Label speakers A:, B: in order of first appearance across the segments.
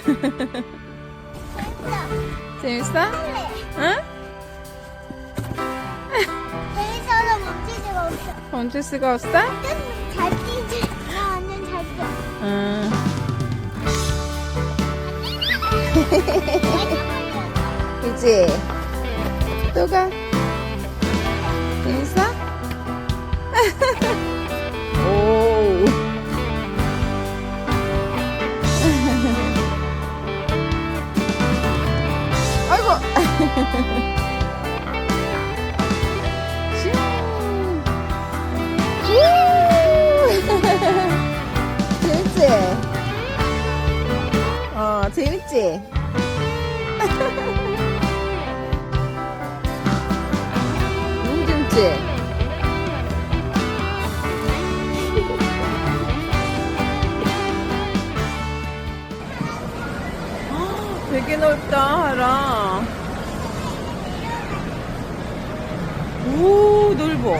A: 재밌어? 응?
B: 재밌어서 멈출 수가 없어.
A: 멈출 수가 없어?
B: 잘 뛰지. 나 완전 잘 뛰어.
A: 응. 그치? 또 가. 재밌어? 오. 아이고. 재밌지? 재밌지? 너무 재밌지? 되게 넓다, 하라. 오, 넓어.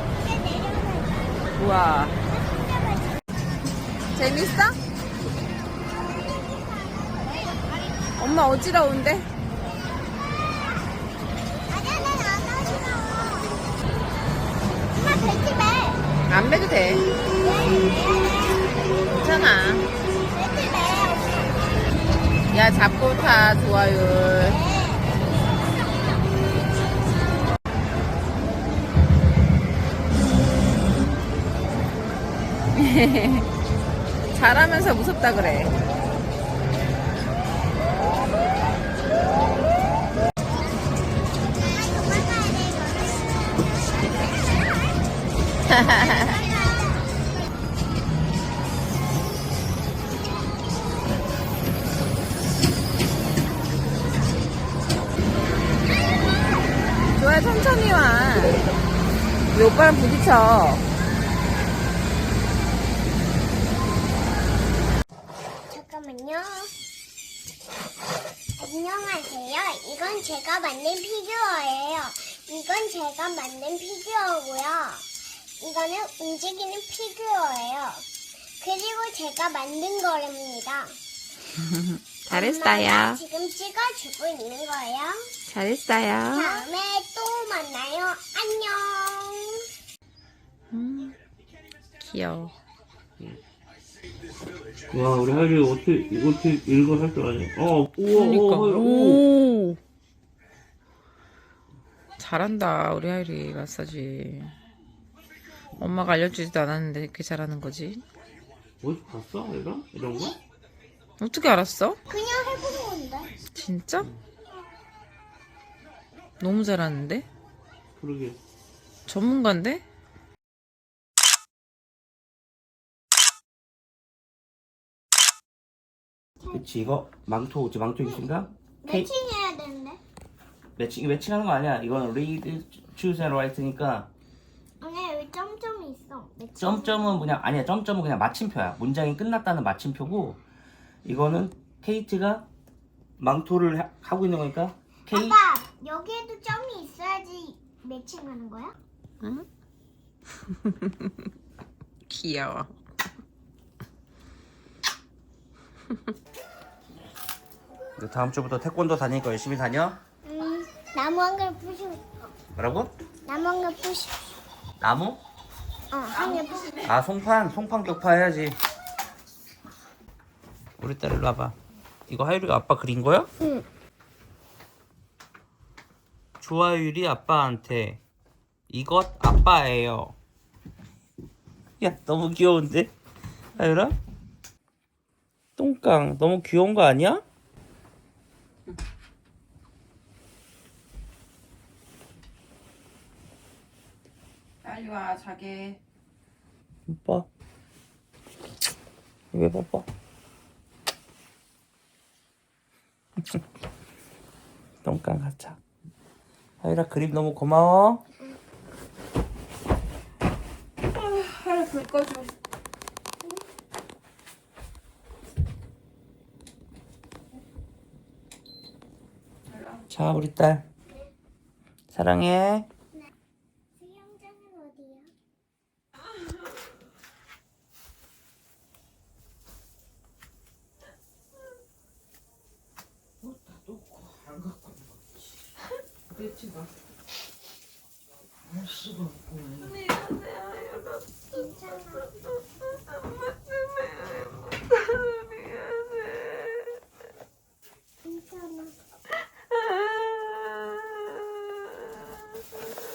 A: 우와. 재밌어? 엄마 어지러운데?
B: 아니야, 난안 어지러워. 엄마 벨트 매.
A: 안 매도 돼. 괜찮아.
B: 벨트 매.
A: 야, 잡고 타, 좋아요. 잘하면서 무섭다 그래. 좋아, 천천히 와. 이 오빠랑 부딪혀.
B: 잠깐만요. 안녕하세요. 이건 제가 만든 피규어예요. 이건 제가 만든 피규어고요. 이거는 움직이는 피규어예요. 그리고 제가 만든 거랍니다. 엄마가 지금 찍어주고 있는 거예요.
A: 잘했어요.
B: 다음에 또 만나요. 안녕.
A: 귀여워.
C: 와, 우리 하율이 어떻게 이거 할 줄 아냐? 우와,
A: 그러니까.
C: 하율,
A: 오. 잘한다, 우리 하율이 마사지. 엄마가 알려주지도 않았는데 이렇게 잘하는 거지.
C: 어디서 봤어, 얘가? 이런 거?
A: 어떻게 알았어?
B: 그냥 해본 건데.
A: 진짜? 너무 잘하는데?
C: 그러게.
A: 전문가인데?
C: 그치, 이거 망토 있습니다?
B: 매칭해야 되는데.
C: 매칭하는 거 아니야. 이거는 read, choose and write니까
B: 아니 여기 점점이 있어. 매칭.
C: 점점은 뭐냐? 아니야, 점점은 그냥 마침표야. 문장이 끝났다는 마침표고, 이거는 케이트가 망토를 하고 있는 거니까 케이트.
B: 아빠 여기에도 점이 있어야지 매칭하는 거야?
A: 응? 귀여워.
C: 다음 주부터 태권도 다니니까 열심히 다녀?
B: 나무 한 그루 부시고 싶어.
C: 뭐라고?
B: 나무 한 그루 부시고 싶어.
C: 나무?
B: 한 그루 부시고 싶어.
C: 아, 송판 격파 해야지. 우리 딸 일로 와봐. 이거 하율이가 아빠 그린 거야?
B: 응.
C: 조하율이 아빠한테 이것 아빠예요. 야, 너무 귀여운데? 하율아? 똥깡 너무 귀여운 거 아니야?
A: 빨리 와, 자게.
C: 뽀뽀. 왜 뽀뽀? 똥깡 가자. 하율아, 그림 너무 고마워.
A: 하루 불 꺼줘.
C: 자, 우리 딸 사랑해.
B: 수영장은 어디야?
A: 배치가.
B: 괜찮아.